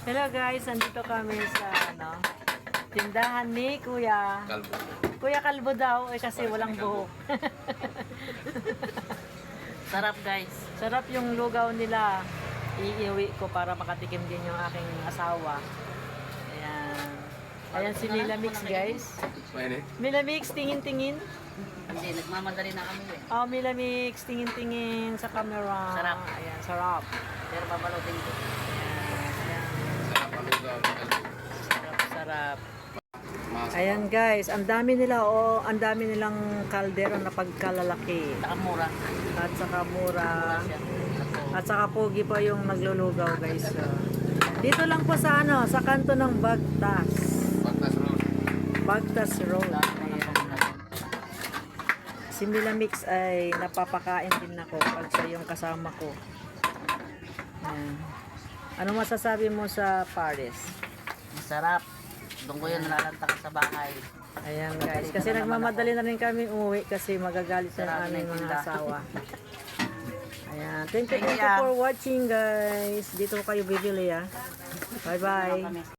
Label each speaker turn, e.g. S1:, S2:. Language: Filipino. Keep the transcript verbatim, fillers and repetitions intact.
S1: Hello guys, nandito kami sa ano, tindahan ni Kuya.
S2: Kalbo.
S1: Kuya Kalbo daw, eh kasi walang buhok.
S3: Sarap guys.
S1: Sarap yung lugaw nila. Iiwi ko para makatikim din yung aking asawa. Ayan. Ayan si Mila Mix guys.
S2: Mainit.
S1: Mila Mix, tingin-tingin.
S3: Hindi, nagmamadali na kami eh.
S1: Oh, Mila Mix, tingin-tingin sa camera.
S3: Sarap.
S1: Ayan, sarap.
S3: Pero babalutin ko.
S1: Ayan.
S2: Sarap ang lugaw ng kalbo.
S1: Sarap, sarap.
S2: Mas-
S1: Ayan guys, ang dami nila oh, ang dami nilang kaldero na pagkalalaki.
S3: Saka mura.
S1: At saka mura.
S3: Mura siya.
S1: At saka pogi pa yung naglulugaw guys. So, dito lang po sa ano, sa kanto ng Bagtas.
S2: Bagtas roll.
S1: Bagtas Road. Ayan. Si Mila Mix ay napapakain din ako pag siya yung kasama ko. Ayan. Ano masasabi mo sa Paris?
S3: Masarap. Doon ko yun nalalanta sa bahay.
S1: Ayan guys, kasi nagmamadali na rin kami umuwi kasi magagalit na
S3: Sarap
S1: aming
S3: yung
S1: mga
S3: tinda.
S1: asawa. Ayan, thank you,
S3: Thank
S1: thank you
S3: you.
S1: for watching guys. Dito kayo bibili ah. Bye bye.
S3: Kami.